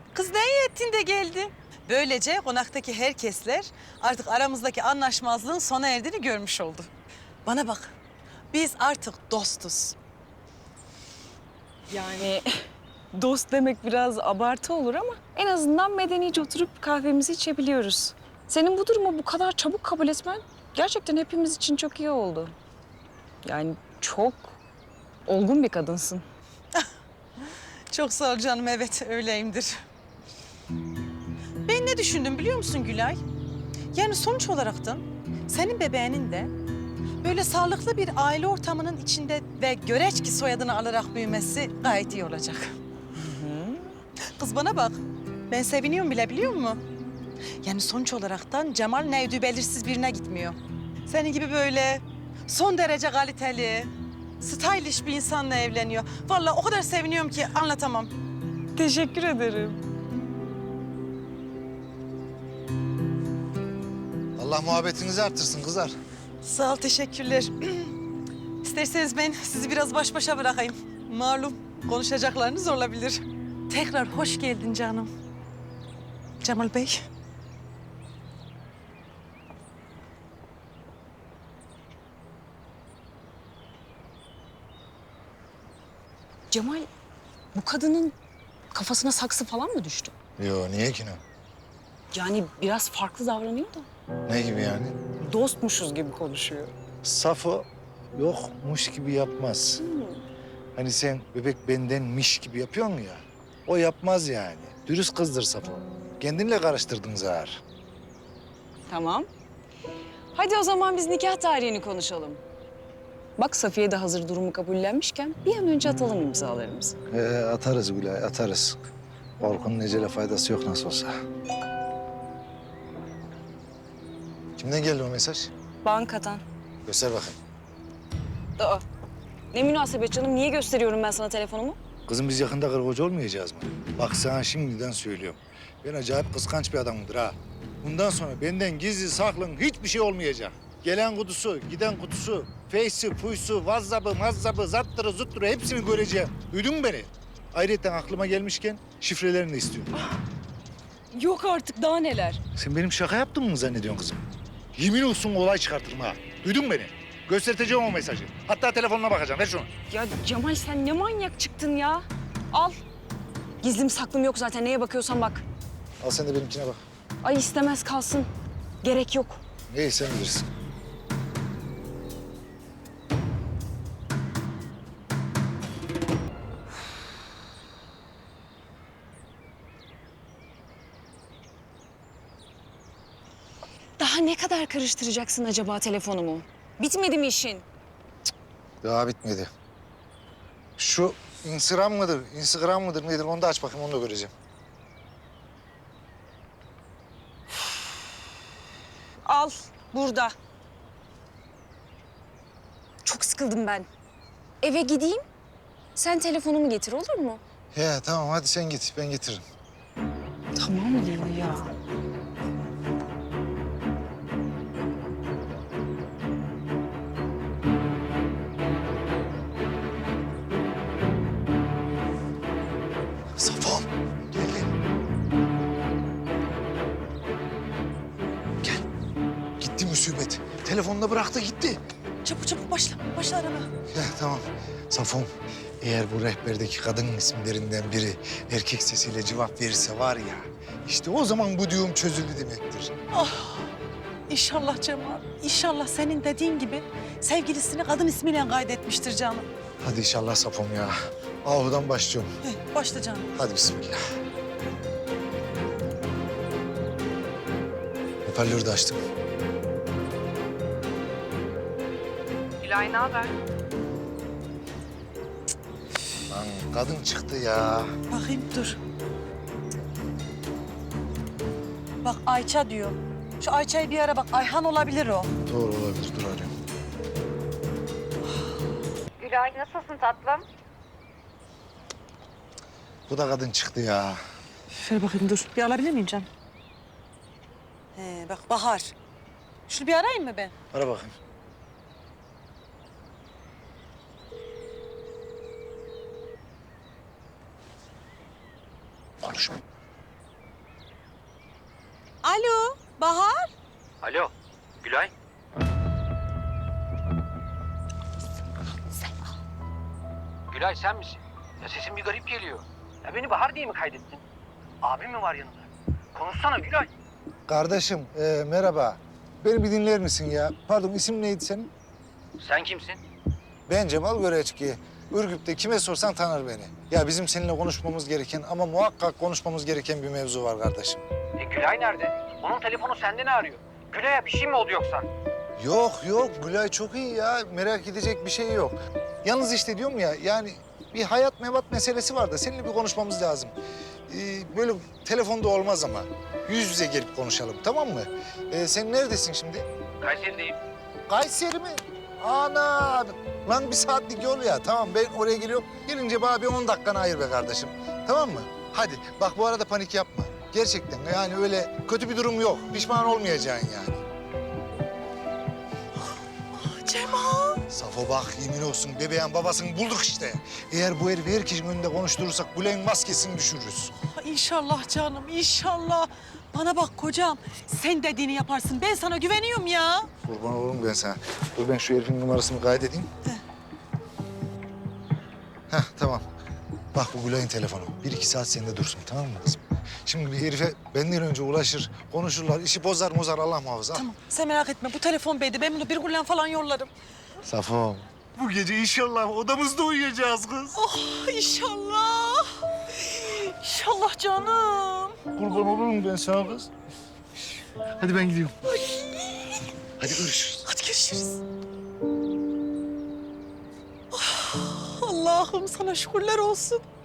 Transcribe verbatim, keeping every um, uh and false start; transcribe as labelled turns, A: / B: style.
A: Kız ne iyi ettin de geldi. Böylece konaktaki herkesler artık aramızdaki anlaşmazlığın sona erdiğini görmüş oldu. Bana bak, biz artık dostuz.
B: Yani dost demek biraz abartı olur ama en azından medenice oturup kahvemizi içebiliyoruz. Senin bu durumu bu kadar çabuk kabul etmen gerçekten hepimiz için çok iyi oldu. Yani çok olgun bir kadınsın.
A: Çok sağ ol canım, evet öyleyimdir. Ben ne düşündüm biliyor musun Gülay? Yani sonuç olaraktan senin bebeğinin de böyle sağlıklı bir aile ortamının içinde ve Göreçki soyadını alarak büyümesi gayet iyi olacak. Kız bana bak, ben seviniyorum bile biliyor musun? Yani sonuç olaraktan Cemal nevdü belirsiz birine gitmiyor. Senin gibi böyle son derece kaliteli, stylish bir insanla evleniyor. Vallahi o kadar seviniyorum ki anlatamam.
B: Teşekkür ederim.
C: Allah muhabbetinizi arttırsın kızlar.
A: Sağ ol, teşekkürler. İsterseniz ben sizi biraz baş başa bırakayım. Malum konuşacaklarınız olabilir. Tekrar hoş geldin canım. Cemal Bey.
B: Cemal, bu kadının kafasına saksı falan mı düştü?
C: Yo niye ki ne?
B: Yani biraz farklı davranıyor da.
C: Ne gibi yani?
B: Dostmuşuz gibi konuşuyor.
C: Safo yokmuş gibi yapmaz. Hani sen bebek bendenmiş gibi yapıyor mu ya? O yapmaz yani. Dürüst kızdır Safo. Kendinle karıştırdın zar.
B: Tamam. Hadi o zaman biz nikah tarihini konuşalım. Bak Safiye de hazır durumu kabullenmişken bir an önce atalım imzalarımızı.
C: Ee, atarız Gülay, atarız. Korkunun ecele faydası yok nasıl olsa. Kimden geldi o mesaj?
B: Bankadan.
C: Göster bakayım.
B: Aa, ne münasebet canım. Niye gösteriyorum ben sana telefonumu?
C: Kızım biz yakında karı koca olmayacağız mı? Bak sana şimdiden söylüyorum. Ben acayip kıskanç bir adamımdır ha. Bundan sonra benden gizli saklın hiçbir şey olmayacak. Gelen kutusu, giden kutusu, Face'i, Fuysu, WhatsApp'ı, Mazzap'ı, zattırı, zutturı hepsini göreceğim. Duydun mu beni? Ayrıca aklıma gelmişken şifrelerini de istiyorum.
B: Yok artık daha neler.
C: Sen benim şaka yaptığımı mı zannediyorsun kızım? Yemin olsun olay çıkartırım ha. Duydun mu beni? Göstereceğim o mesajı. Hatta telefonuna bakacağım. Ver şunu.
B: Ya Cemal sen ne manyak çıktın ya. Al. Gizlim saklım yok zaten. Neye bakıyorsan bak.
C: Al sen de benimkine bak.
B: Ay istemez kalsın. Gerek yok.
C: İyi sen bilirsin.
B: Daha ne kadar karıştıracaksın acaba telefonumu? Bitmedi mi işin?
C: Daha bitmedi. Şu Instagram mıdır, Instagram mıdır nedir onu da aç bakayım onu da göreceğim.
B: Al burada. Çok sıkıldım ben. Eve gideyim. Sen telefonumu getir olur mu?
C: He tamam hadi sen git ben getiririm.
B: Tamam diyor ya.
C: Safon geldi. Gel. Gitti musibet. Telefonunu bıraktı gitti.
A: Çabuk çabuk başla, başla arama.
C: He tamam. Safon eğer bu rehberdeki kadın isimlerinden biri erkek sesiyle cevap verirse var ya işte o zaman bu düğüm çözüldü demektir.
A: İnşallah Cemal, inşallah senin dediğin gibi sevgilisini kadın ismiyle kaydetmiştir canım.
C: Hadi inşallah Safon ya. Ahu'dan başlıyorum.
A: Heh, başla canım.
C: Hadi bismillah. Hoparlörü de açtım.
D: Gülay ne haber?
C: Lan kadın çıktı ya.
A: Bakayım dur. Bak Ayça diyor. Şu Ayça'yı bir ara bak, Ayhan olabilir o.
C: Doğru olabilir, dur arıyorum.
D: Gülay nasılsın tatlım?
C: Bu da kadın çıktı ya.
A: Şöyle bakayım dur. Bir alabilir miyim canım? He bak Bahar. Şunu bir arayayım mı ben?
C: Ara bakayım. Konuşma.
A: Alo, Bahar.
E: Alo, Gülay. Gülay sen misin? Ya sesin bir garip geliyor. Ya beni Bahar diye mi kaydettin? Abim mi var yanında? Konuşsana Gülay.
C: Kardeşim e, merhaba. Beni bir dinler misin ya? Pardon isim neydi senin?
E: Sen kimsin?
C: Ben Cemal Göreçki. Ürgüp'te kime sorsan tanır beni. Ya bizim seninle konuşmamız gereken ama muhakkak konuşmamız gereken bir mevzu var kardeşim.
E: E Gülay nerede? Onun telefonu sende ne arıyor? Gülay'a bir şey mi oldu yoksa?
C: Yok yok Gülay çok iyi ya. Merak edecek bir şey yok. Yalnız işte diyorum ya yani bir hayat mevat meselesi var da seninle bir konuşmamız lazım. Ee, böyle telefonda olmaz ama yüz yüze gelip konuşalım tamam mı? Ee, sen neredesin şimdi?
E: Kayseri'deyim.
C: Kayseri mi? Ana! Lan bir saatlik yol ya. Tamam ben oraya geliyorum. Gelince bana bir on dakikanı ayır be kardeşim. Tamam mı? Hadi bak bu arada panik yapma. Gerçekten yani öyle kötü bir durum yok. Pişman olmayacaksın yani.
A: Cemal.
C: Safo bak yemin olsun bebeğin babasını bulduk işte. Eğer bu herifi herkesin önünde konuşturursak Gülay'ın maskesini düşürürüz.
A: İnşallah canım, inşallah. Bana bak kocam, sen dediğini yaparsın. Ben sana güveniyorum ya.
C: Kurban olurum ben sana. Dur ben şu herifin numarasını kaydedeyim.
A: De.
C: Heh tamam. Bak bu Gülay'ın telefonu. Bir iki saat sende dursun tamam mı kızım? Şimdi bir herife benden önce ulaşır, konuşurlar, işi bozar mozar Allah muhafaza.
A: Tamam, sen merak etme. Bu telefon beydi. Ben bunu bir kullan falan yollarım.
C: Safo. Bu gece inşallah odamızda uyuyacağız kız.
A: Oh, inşallah. İnşallah canım.
C: Kurban olurum ben sana kız. Hadi ben gidiyorum. Hadi görüşürüz.
A: Hadi görüşürüz. Ah, Allah'ım sana şükürler olsun.